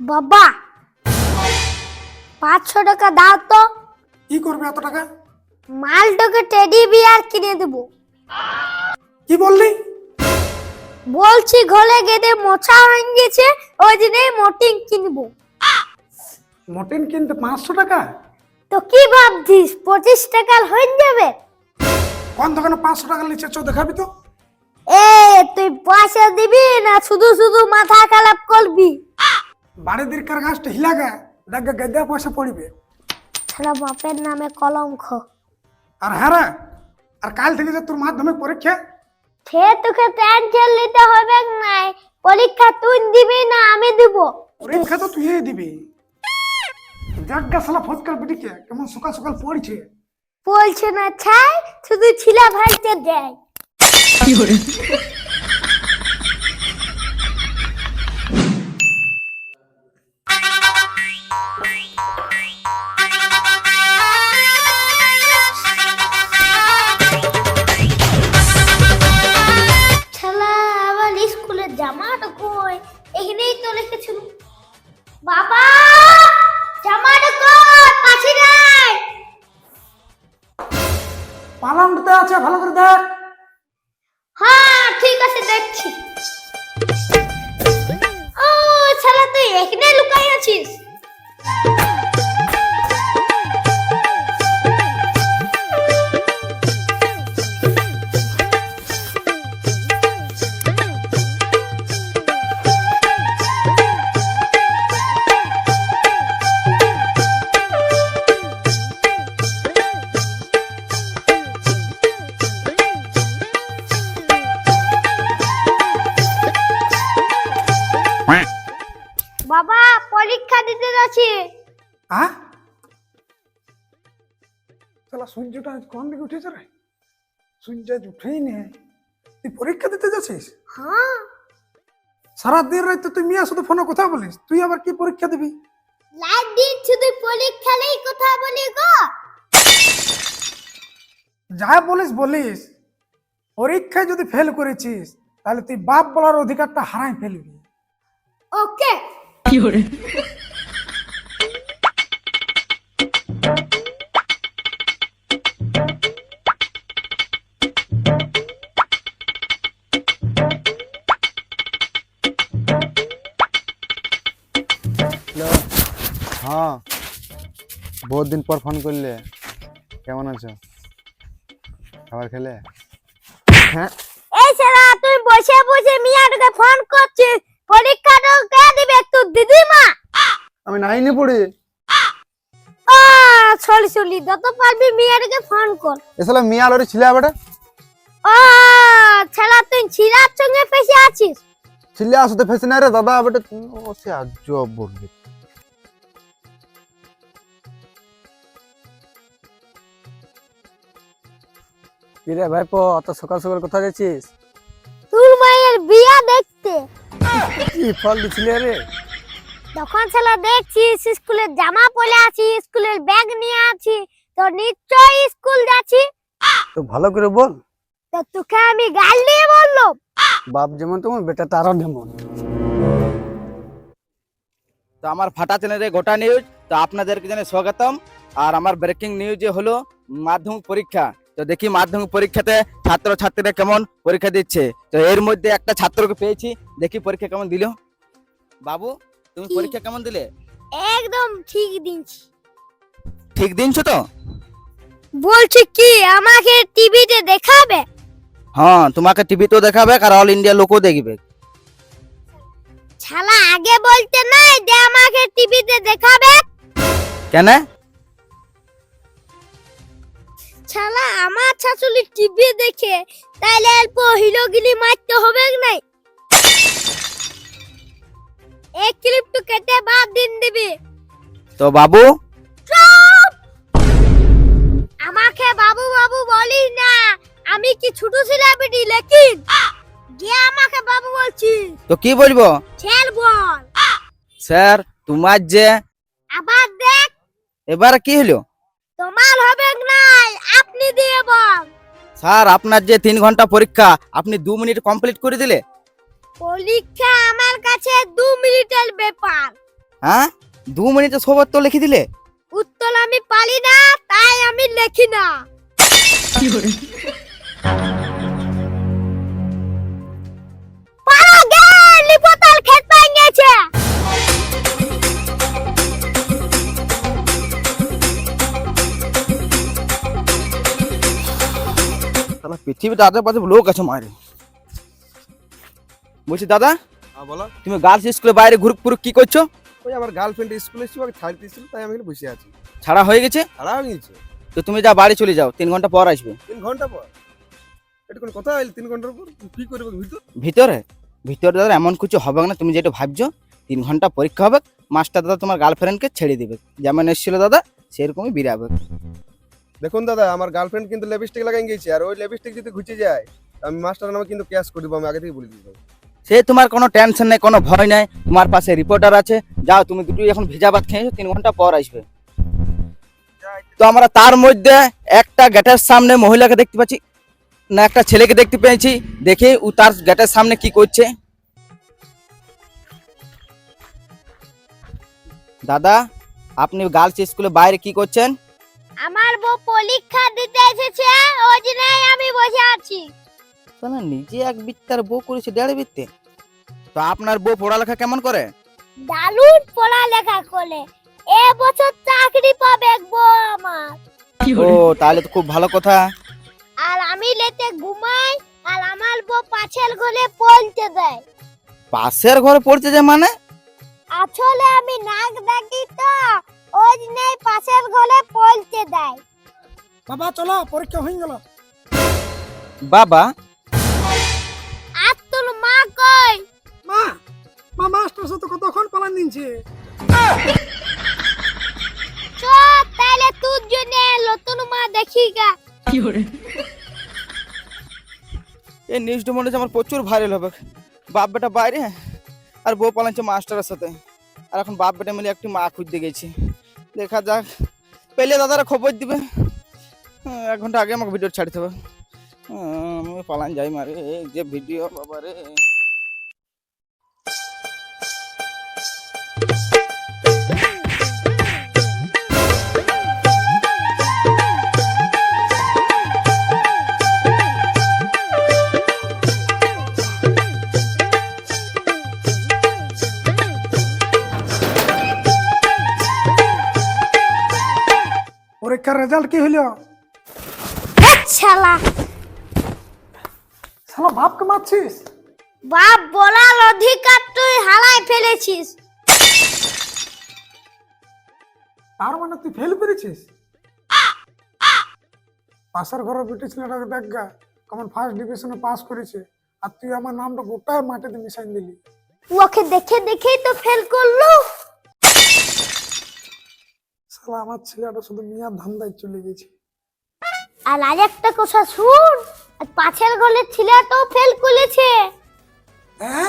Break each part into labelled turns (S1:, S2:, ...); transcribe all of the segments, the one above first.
S1: বাবা 500 টাকা দাও তো।
S2: কি করবে এত টাকা?
S1: মালটাকে টেডি বিয়ার কিনে দেবো।
S2: কি বললি?
S1: বলছি ঘরে গেদে মোছা হয়ে গেছে, ওই দিনে মোটিং কিনবো।
S2: মটন কিনতে 500 টাকা?
S1: তো কি ভাবছিস 25 টাকা হয়ে যাবে?
S2: কোন দোকানে 500 টাকা নিচে চো দেখাবি তো?
S1: এ তুই পয়সা দিবি না শুধু শুধু মাথা খারাপ করবি?
S2: বাড়ি দিরকার গাছটা হিলাগা দেখ গেদা পয়সা পড়িবে।
S1: সারা বাপের নামে কলঙ্ক।
S2: আর হ্যাঁ, আর কাল থেকে যে তোর মাধ্যমিক পরীক্ষা,
S1: সে তোকে টেনশন নিতে হবে নাই। পরীক্ষা তুই দিবি না আমি দিব?
S2: পরীক্ষা তো তুই দিবি। জাগা শালা ফটকার পিটিকে কেমন সকাল সকাল পড়ছে।
S1: বলছে না ছাই, শুধু ছিলা ভাইতে দেয়। শালা আবার স্কুলের জামাটা কই? এখানেই তো লিখেছিল। বাবা জামাটা কই? পাশে নাই।
S2: পালনতে আছে, ভালো করে দেখ।
S1: হ্যাঁ ঠিক আছে দেখছি। ও শালা তুই এখানে লুকাই আছিস? বাবা পরীক্ষা দিতে যাচ্ছি।
S2: হ্যাঁ, শালা সূর্যটা আজ কোন দিকে উঠেছে রে? সূর্য আজ উঠেই নেই। তুই পরীক্ষা দিতে যাচ্ছিস?
S1: হ্যাঁ
S2: সারাদিন রাত তুই মিয়া শুধু ফোনে কথা বলিস, তুই আবার কি পরীক্ষা দিবি?
S1: লাইট দিন শুধু পরীক্ষা নেই কথা বলি গো।
S2: যা বলিস বলিস, পরীক্ষায় যদি ফেল করেছিস তাহলে তুই বাপ বলার অধিকারটা হারাই ফেলবি।
S1: Okay
S3: hello. হ্যাঁ, বহুত দিন পর ফোন করলে। কেমন আছো? খাবার খেলে? হ্যাঁ,
S1: এই শালা তুই বসে বসে মিয়াটাকে ফোন করছিস, পরীক্ষাটা কে দিবে? তোর দিদিমা?
S3: আমি নাইনে পড়ি।
S1: ও সরি সরি, যত পারবি মিয়াটাকে ফোন কর।
S3: এসলা মিয়া লরি ছিলে আবার
S1: ও শালা তুই ছিরার সঙ্গে ফেসে আছিস।
S3: ছিলে আসতে ফেসে না রে দাদা। আবার ও সে আজব বলবে।
S4: কিরে ভাইপো, অত সকাল সকাল কোথায় যাচ্ছিস?
S1: তোর মায়ের বিয়া দেখতে।
S4: কি ফল দিছিলে রে?
S1: তখন শালা দেখছিস স্কুলের জামা পরে আছি, স্কুলের ব্যাগ নিয়ে আছি, তো নিশ্চয়ই স্কুল যাচ্ছি।
S4: তো ভালো করে বল।
S1: তো তোকে আমি গাল দিয়ে বললো?
S4: বাপ যেমন তেমন বেটা তারও যেমন।
S5: তো আমার ফাটা চ্যানেলে গোটা নিউজ, তো আপনাদেরকে জানাই স্বাগতম। আর আমার ব্রেকিং নিউজে হলো মাধ্যমিক পরীক্ষা। তো দেখি মাধ্যমিক পরীক্ষাতে ছাত্র ছাত্রীরা কেমন পরীক্ষা দিচ্ছে। তো এর মধ্যে একটা ছাত্রকে পেয়েছি, দেখি পরীক্ষা কেমন দিল। বাবু তুমি
S1: কি?
S5: পরীক্ষা কেমন দিলে?
S1: একদম ঠিক দিনছি।
S5: ঠিক দিনছো তো?
S1: বলছি কি আমাকে টিভিতে দেখাবে?
S5: হ্যাঁ, তোমাকে টিভিতেও দেখাবে আর অল ইন্ডিয়া লোকও দেখবে।
S1: শালা আগে বলতে নাই যে আমাকে টিভিতে দেখাবে?
S5: কেন?
S1: শালা আমার শাশুড়ি টিভি দেখে, তাইলে অল্প হিলোগিলি মারতে হবে নাই? এক ক্লিপ তো কেটে বাদ দিন দিবি।
S5: তো বাবু
S1: চুপ! আমাকে বাবু বাবু বলিস না, আমি কি ছোট সেলিব্রিটি লেকিন গিয়ে আমাকে বাবু বলছিস?
S5: তো কি বলবো?
S1: ছেল বল।
S5: স্যার তোমার যে
S1: আবার দেখ।
S5: এবার কি হলো?
S1: তোমার হবে নাই, আপনি দিয়ে বল।
S5: স্যার আপনার যে 3 ঘন্টা পরীক্ষা আপনি 2 মিনিট কমপ্লিট করে দিলে।
S1: পরীক্ষা আমার কাছে 2 মিনিটের ব্যাপার।
S5: হ্যাঁ 2 মিনিটে সব উত্তর লিখে দিলে?
S1: উত্তর আমি পারি না, তাই আমি লিখি না। পারা গে, লিপতাল খেত পাই গেছে।
S5: শালা পৃথিবীতে আশেপাশে লোক আছে মারে। বলছি দাদা,
S3: হ্যাঁ বলো।
S5: তুমি গার্লস স্কুলে বাইরে ঘুরুক পুরুক কি করছো?
S3: ওই আমার গার্লফ্রেন্ড স্কুলে ছিল, ওকে ছাড়তে ছিল, তাই আমি এখানে বসে আছি।
S5: ছাড়া হয়ে গেছে?
S3: ছাড়া হয়ে গেছে
S5: তো তুমি যা বাড়ি চলে যাও, 3 ঘন্টা পর আসবে।
S3: 3 ঘন্টা পর? এটা কোন কথা হইল? 3 ঘন্টার পর কি করবে ভিতর?
S5: ভিতরে ভিতরে দাদা এমন কিছু হবে না, তুমি যেটা ভাবছো। 3 ঘন্টা পরীক্ষা হবে, মাস্টার দাদা তোমার গার্লফ্রেন্ডকে ছেড়ে দিবে, যেমন এসেছিল দাদা সেরকমই বেরাবে।
S3: দেখুন দাদা, আমার গার্লফ্রেন্ড কিন্তু লিপস্টিক লাগাই গেছে, আর ওই লিপস্টিক যদি ঘুচে যায় আমি মাস্টার নামে কিন্তু ক্যাশ করে দেবো, আমি আগে থেকে বলে দিই।
S5: সে তোমার কোনো টেনশন নেই, কোনো ভয় নাই, তোমার পাশে রিপোর্টার আছে। যাও তুমি দুটোই এখন ভিজা ভাত খেয়েছো, 3 ঘন্টা পর আসবে। তো আমরা তার মধ্যে একটা গেটের সামনে মহিলাকে দেখতে পাচ্ছি, না একটা ছেলেকে দেখতে পেয়েছি। দেখে ও তার গেটের সামনে কি করছে। দাদা, আপনি গার্লস স্কুলে বাইরে কি করছেন?
S1: আমার বউ পরীক্ষা দিতে এসেছে, ওই জন্যই আমি বসে আছি।
S5: না নিজে এক বিত্তার বউ করেছে 1.5 বিত্তে। তো আপনার বউ পড়ালেখা কেমন করে?
S1: দারুণ পড়ালেখা করে, এ বছর চাকরি পাবে বউ আমার।
S5: ও তাহলে তো খুব ভালো কথা।
S1: আর আমি লেতে ঘুমাই, আর আমার বউ পাশের ঘরে পড়তে দেয়।
S5: পাশের ঘরে পড়তে যায় মানে?
S1: আসলে আমি নাক ডাকি তো, ওই জন্যই পাশের ঘরে পড়তে দেয়।
S2: বাবা চলো, পরীক্ষা হয়ে গেল।
S5: বাবা,
S1: আর তোর মা কই?
S2: মা মা মাস্টার সাথে কতক্ষণ পালান দিনছে।
S1: চ তাহলে তোর জন্য নতুন মা দেখি গা।
S5: এই নিউজটা মনে হচ্ছে আমার প্রচুর ভাইরাল হবে। বাপ বেটা বাইরে আর বউ পালাচ্ছে মাস্টারের সাথে, আর এখন বাপ বেটা মিলে একটি মা খুঁজতে গেছি। দেখা যাক, পেলে দাদারা খবর দিবে। 1 ঘন্টা আগে আমাকে ভিডিও ছাড়তে হবে। আমি পালান যাই মারে, এই যে ভিডিও বাবা রে।
S2: পরীক্ষার রেজাল্ট কি হইল?
S1: শালা
S2: শালা বাপকে মারছিস?
S1: বাপ বলার অধিকার তুই হারাই ফেলেছিস।
S2: তার মানে তুই ফেল করেছিস? পাশের ঘরের বেটি ছেলেটাকে দেখ গা, কেমন ফার্স্ট ডিভিশনে পাস করেছে, আর তুই আমার নামটা গোটায় মাটিতে মিশাই দিলি।
S1: ওকে দেখে দেখেই তো ফেল করলো।
S2: শালা আমার ছেলেটা শুধু মিয়ার ধান্দায় চলে গেছে।
S1: আর আরেকটা কথা শুন, আর পাশের ঘরের ছেলেটাও ফেল করেছে।
S2: হ্যাঁ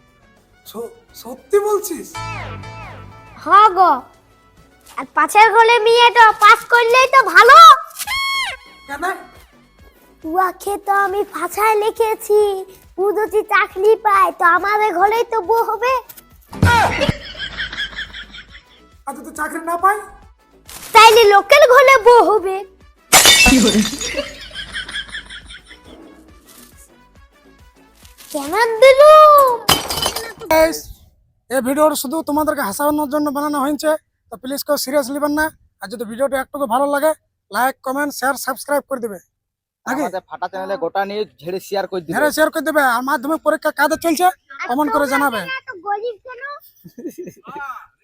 S2: সত্যি বলছিস?
S1: হ্যাঁ গো, আর পাশের ঘরের মেয়েটা পাস করলেই তো ভালো।
S2: কেন?
S1: ওকে তো আমি ভাষায় লিখেছি, ও যদি চাকরি পায় তো আমাদের ঘরেই তো বউ হবে।
S2: আর যদি চাকরি না পাই?
S1: তাইলে লোকের ঘরে বউ হবে। কেমন দিলুম?
S2: Guys, এই ভিডিওটা শুধু তোমাদেরকে হাসানোর জন্য বানানো হয়েছে, তো প্লিজ কেউ সিরিয়াস নেবেন না। আর যদি ভিডিওটা একটুকু ভালো লাগে, লাইক কমেন্ট শেয়ার সাবস্ক্রাইব করে দেবে। নাকি
S5: আমাদের ফাটা চ্যানেলে গোটা নিউজ ঝেড়ে শেয়ার করে দিবে।
S2: হ্যাঁ শেয়ার করে দেবে। আর মাধ্যমিক পরীক্ষা কাদের চলছে কমেন্ট করে জানাবে।
S1: গরিব কেন?